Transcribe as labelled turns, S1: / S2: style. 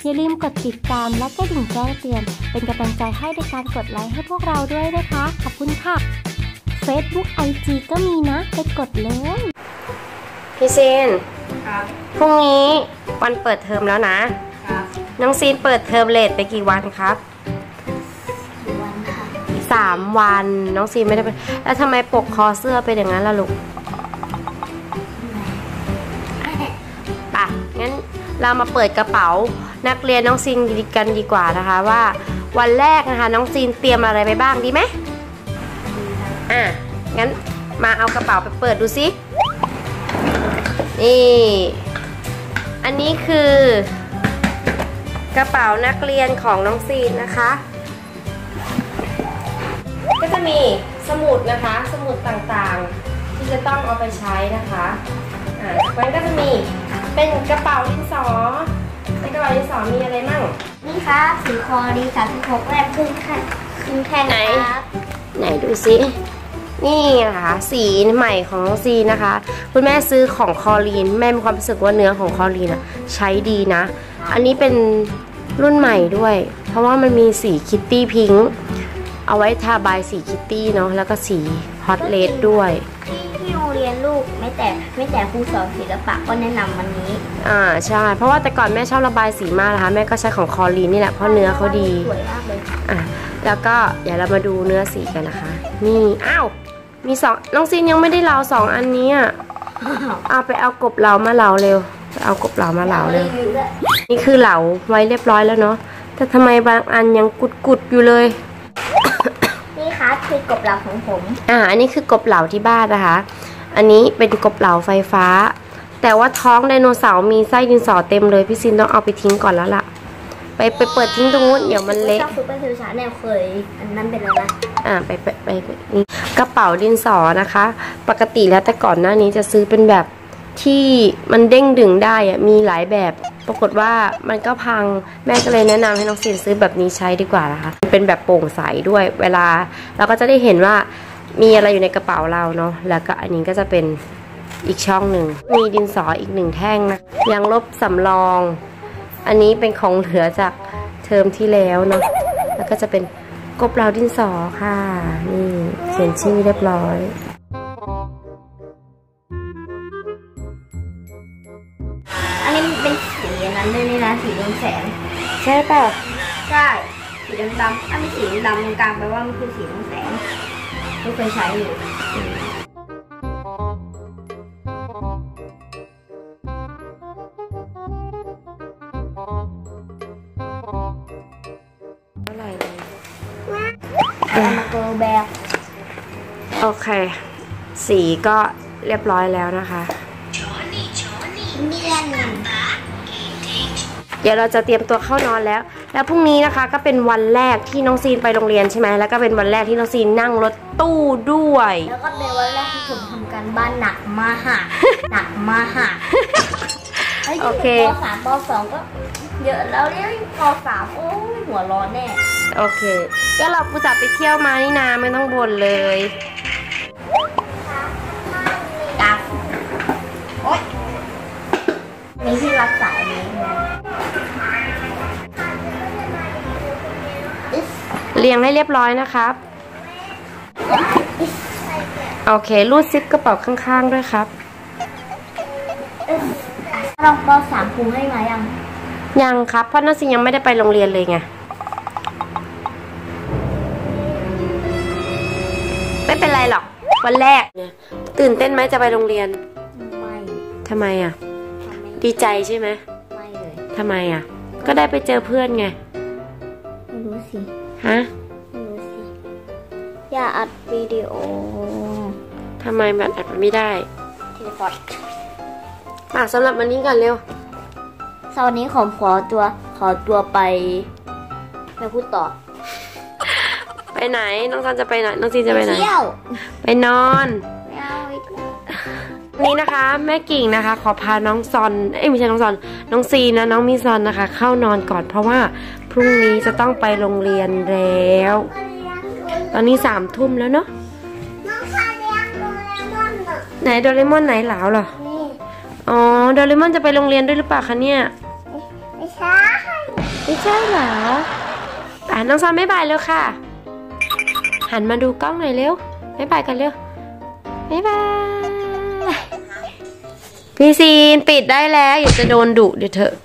S1: อย่าลืมกดติดตามและกระดิ่งแจ้งเตือนเป็นกำลังใจให้ในการกดไลค์ให้พวกเราด้วยนะคะขอบคุณค่ะ Facebook IG ก็มีนะไปกดเลย
S2: พี่ซีนพรุ่งนี้วันเปิดเทอมแล้วนะน้องซีนเปิดเทอมเลทไปกี่วันครับ3 วันน้องซีนไม่ได้ไปแล้วทำไมปกคอเสื้อเป็นอย่างนั้นล่ะลูกป่ะงั้นเรามาเปิดกระเป๋านักเรียนน้องซีนกันดีกว่านะคะว่าวันแรกนะคะน้องซีนเตรียมอะไรไปบ้างดีไหมงั้นมาเอากระเป๋าไปเปิดดูสินี่อันนี้คือกระเป๋านักเรียนของน้องซีนนะคะก็จะมีสมุดนะคะสมุดต่างๆที่จะต้องเอาไปใช้นะคะมันก็จะมีเป็นกระเป๋าดินสอในกระเป๋าดินสอมีอะไรมั่ง
S3: นี่ครับสีคอดี36แรกขึ้นแท่งครับ
S2: ไหนดูสินี่นะคะสีใหม่ของน้องซีนะคะคุณแม่ซื้อของคอลีนแม่มีความรู้สึกว่าเนื้อของคอลีนใช้ดีนะอันนี้เป็นรุ่นใหม่ด้วยเพราะว่ามันมีสีคิตตี้พิงค์เอาไว้ทาบายสีคิตตี้เนาะแล้วก็สีฮอตเลดด้วย
S3: ที่โรงเรียนลูกไม่แต่ครูสอนศิลปะก็แนะนำวันนี้
S2: ใช่เพราะว่าแต่ก่อนแม่ชอบระบายสีมากนะคะแม่ก็ใช้ของคอลีนนี่แหละเพราะเนื้อเขาดี
S3: สวยมากเลย
S2: แล้วก็เดี๋ยวเรามาดูเนื้อสีกันนะคะนี่มี2น้องซีนยังไม่ได้เหลา2 อันนี้เอาไปเอากบเหลามาเหลาเร็วไปเอากบเหลามาเหลาเร็วนี่คือเหลาไว้เรียบร้อยแล้วเนาะแต่ทำไมบางอันยังกุดอยู่เลย
S3: นี่ค่ะคือกบเหลาของผม
S2: อันนี้คือกบเหลาที่บ้านนะคะอันนี้เป็นกบเหลาไฟฟ้าแต่ว่าท้องไดโนเสาร์มีไส้ดินสอเต็มเลยพี่ซินต้องเอาไปทิ้งก่อนแล้วล่ะไปเปิดทิ้งตรงนู้นเดี๋ยวมันเละ
S3: ชอบซุปเปอร์ซิลชาแนลเคยอันนั้นเป็นอะไรนะ
S2: ไปนี่กระเป๋าดินสอนะคะปกติแล้วแต่ก่อนหน้านี้จะซื้อเป็นแบบที่มันเด้งดึงได้มีหลายแบบปรากฏว่ามันก็พังแม่ก็เลยแนะนำให้น้องซีนซื้อแบบนี้ใช้ดีกว่านะคะเป็นแบบโปร่งใสด้วยเวลาเราก็จะได้เห็นว่ามีอะไรอยู่ในกระเป๋าเราเนาะแล้วก็อันนี้ก็จะเป็นอีกช่องหนึ่งมีดินสออีก1 แท่งนะยางลบสำรองอันนี้เป็นของเหลือจากเทอมที่แล้วเนาะแล้วก็จะเป็นกบเหลาดินสอค่ะนี่เขียนชื่อเรียบร้อย
S3: อันนี้เป็นสีนั้นด้วยนี่นะสีเรืองแสง
S2: ใช่ป่ะ
S3: ใช่สีดำอันนี้สีดำตรงกลางแปลว่ามันคือสีเรืองแสงไม่เคยใช้อยู่มาเกลแบก
S2: โอเคสีก็เรียบร้อยแล้วนะคะเดี๋ยวเราจะเตรียมตัวเข้านอนแล้วพรุ่งนี้นะคะก็เป็นวันแรกที่น้องซีนไปโรงเรียนใช่ไหมแล้วก็เป็นวันแรกที่น้องซีนนั่งรถตู้ด้วย
S3: แล้วก็เป็นวันแรกที่ผมทำการบ้านหนักมาก
S2: โอเค
S3: ป.3 ป.2 ก็เยอะแล้วเรียกป.3โอ้ยหัวร้อนแน่
S2: โอเคก็เราอุตส่าห์ไปเที่ยวมานี่นาไม่ต้องบ่นเลย
S3: โอ๊ยมีที่รับสายนี้
S2: เรียงให้เรียบร้อยนะครับโอเครูดซิปกระเป๋าข้างๆด้วยครับ
S3: ลองป.3ครูให้มา
S2: ยังครับเพราะน้องซีนยังไม่ได้ไปโรงเรียนเลยไงไม่เป็นไรหรอกวันแรกตื่นเต้นไหมจะไปโรงเรียน
S3: ไม่
S2: ทำไมดีใจใช่ไหม
S3: ไม่เลย
S2: ทำไมก็ได้ไปเจอเพื่อนไง
S3: ไม่รู้สิ
S2: ไม่
S3: รู้สิอย่าอัดวิดีโอ
S2: ทำไมมันอัดไม่ได้
S3: ทีพอด
S2: สำหรับวันนี้ก่อนเร็ว
S3: วันนี้ขอตัวไปพูดต่อ
S2: ไปไหนน้องซันจะไปไหนน้องซีจะไปไหน
S3: เที่ยว
S2: ไปนอนนี้นะคะแม่กิ่งนะคะขอพาน้องซอนไม่ใช่น้องซอนน้องซีนะน้องมิซอนนะคะเข้านอนก่อนเพราะว่าพรุ่งนี้จะต้องไปโรงเรียนแล้วตอนนี้3 ทุ่มแล้วเนาะไหนโดเรมอนไหนเหลาเหรออ๋อโดเรมอนจะไปโรงเรียนด้วยหรือเปล่าคะเนี่ย
S3: ไม่ใช่
S2: ไม่ใช่เหรอน้องซอนบ๊ายบายเร็วค่ะหันมาดูกล้องหน่อยเร็วบ๊ายบายกันเร็วบ๊ายบายพี่ซีนปิดได้แล้วอย่าจะโดนดุเดี๋ยวเถอะ